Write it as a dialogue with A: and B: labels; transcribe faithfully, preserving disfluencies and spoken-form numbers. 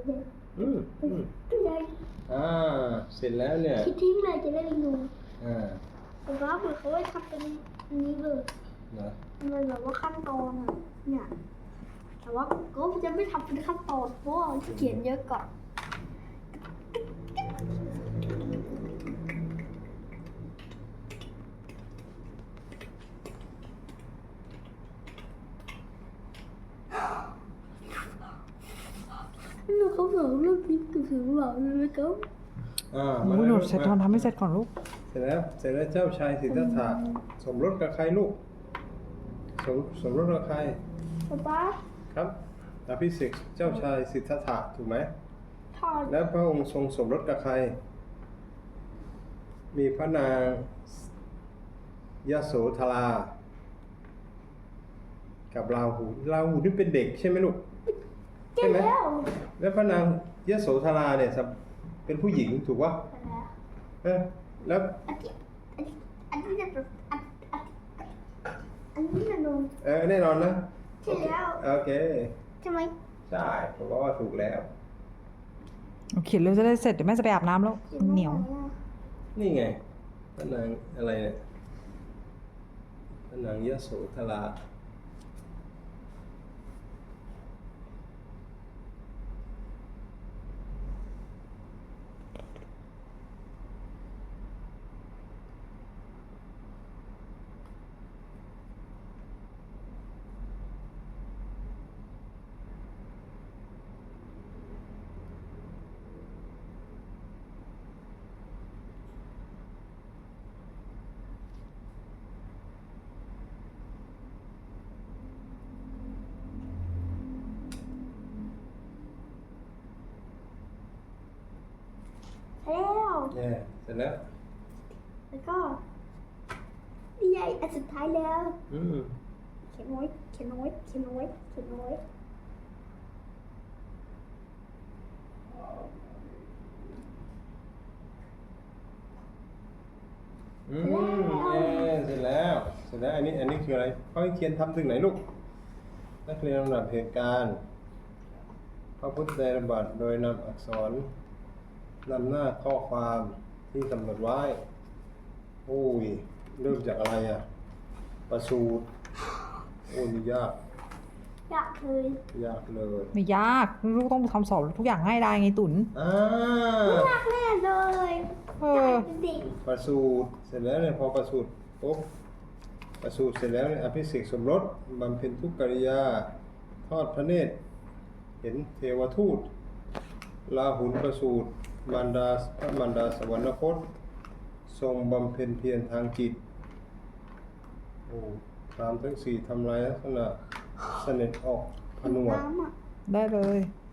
A: อืมอืม
B: ตัวใหญ่
A: อ่าเสร็จแล้วเนี่ย
B: คิดทิ้งเลยจะได้ดู
A: อ่า
B: แต่ว่าเหมือนเขาไว้ทำเป็นอันนี้เลย
A: นะ
B: มันแบบว่าขั้นตอนอ่ะเนี่ยแต่ว่าก็จะไม่ทำเป็นขั้นตอนเพราะว่าเขียนเยอะก่อนหนูเขาบอกเรื่องพิษกับถึงบอกเลยไหมครับ
A: อ่า
C: โอ้ยหนูเสร็จทำทำให้เสร็จก่อนลูก
A: เสร็จแล้วเสร็จแล้วเจ้าชายสิทธัตถะสมรสกับใครลูกสมสมรสกับใคร
B: ป๊าป๊า
A: ครับอภิเษกเจ้าชายสิทธัตถะถูกไหม
B: ถอด
A: แล้วพระองค์ทรงสมรสกับใคร มีพระนางยโสธรา กับราหูราหูนี่เป็นเด็กใช่ไหมลูก
B: เจ๊แล้ว
A: แล้วพระนางยโสธราเนี่ยเป็นผู้หญิงถูกปะเออแล้ว
B: อันนี้อันนี้อันนี้จะแบบอันอันอันนี้จะโดน
A: เออแน่นอนนะ
B: ใช่แล้ว
A: โอเค
B: ใช่ไหม
A: ใช่ผมว่าถูกแล้ว
C: โอเคเร็วจะได้เสร็จเดี๋ยวแม่จะไปอาบน้ำแล้วมันเหนียว
A: นี่ไงพระนางอะไรเนี่ยพระนางยโสธรา
B: ใช่แล้ว
A: เนี่ยเสร็จแล้ว
B: แล้วก็นี่ไงอันสุดท้ายแล้ว
A: อืม
B: เขียนไว้เขียนไว้เขียนไว้เขียนไว้
A: อืมเนี่ยเสร็จแล้วเสร็จแล้วอันนี้อันนี้คืออะไรเขาให้เขียนทำถึงไหนลูกนักเรียนลำดับเหตุการณ์พระพุทธไตรบัตรโดยนำอักษรนำหน้าข้อความที่กำหนดไว้โอ้ยเริ่มจากอะไรอ่ะประสูตรโอ้ยยาก
B: อยากเลย
A: ยากเลย
C: ไม่ยากลูกต้องทำสอบทุกอย่างให้ได้ไงตุน
A: อ่า
B: อยากแน่เลย
C: เอ
B: อยา
C: อ
B: กเป็นเด็ก
A: ประสูตรเสร็จแล้วเนี่ยพอประสูตรปุ๊บประสูตรเสร็จแล้วเนี่ยอภิเษกสมรสบำเพ็ญทุกกิริยาทอดพระเนตร เห็นเทวทูตลาหุนประสูตรมารดาพระมารดาสวรรคตทรงบำเพ็ญเพียรทางจิตโอ้ตามทั้งสี่ทำลายลักษณะเสน็จออกผนวด
B: น้ำอ่ะ
C: ได้เลย